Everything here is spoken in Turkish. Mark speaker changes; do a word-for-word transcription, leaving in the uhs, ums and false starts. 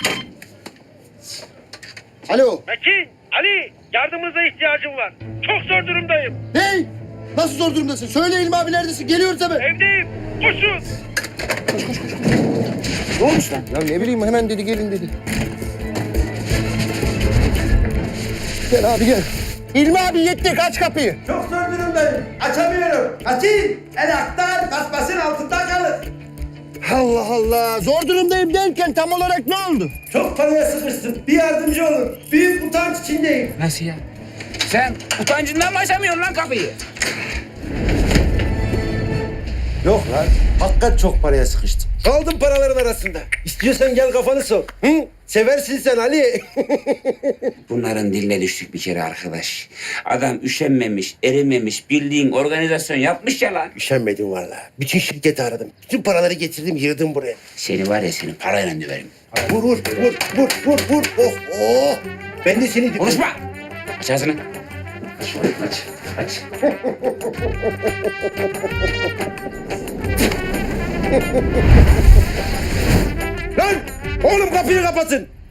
Speaker 1: Alo.
Speaker 2: Metin, Ali, yardımınıza ihtiyacım var. Çok zor durumdayım.
Speaker 1: Hey! Nasıl zor durumdasın? Söyle İlmi abi neredesin? Geliyoruz hemen.
Speaker 2: Evdeyim. Koşun.
Speaker 1: Ne olmuş lan? Ya ne bileyim hemen dedi gelin dedi. Gel abi gel. İlmi abi yetti aç kapıyı.
Speaker 3: Çok zor durumdayım. Açamıyorum. Açayım. El aktar basmasın altında kalır.
Speaker 1: Allah Allah. Zor durumdayım derken tam olarak ne oldu?
Speaker 3: Çok paraya sıkıştım. Bir yardımcı olun. Büyük utanç içindeyim.
Speaker 4: Nasıl ya? Sen utancından mı açamıyorsun lan kapıyı?
Speaker 3: Yok lan. Hakikat çok paraya sıkıştım. Kaldım paraların arasında. İstiyorsan gel kafanı sok. Hı? Seversin sen Ali.
Speaker 4: Bunların diline düştük bir kere arkadaş. Adam üşenmemiş, erimemiş, bildiğin organizasyon yapmış ya lan.
Speaker 3: Üşenmedim valla. Bütün şirketi aradım. Bütün paraları getirdim yığdım buraya.
Speaker 4: Seni var ya seni parayla döverim.
Speaker 3: Vur vur vur vur vur vur. Oh oh. Ben de seni...
Speaker 4: Konuşma! Aç ağzını. Aç, aç.
Speaker 3: Lan! Oğlum kapıyı kapatın.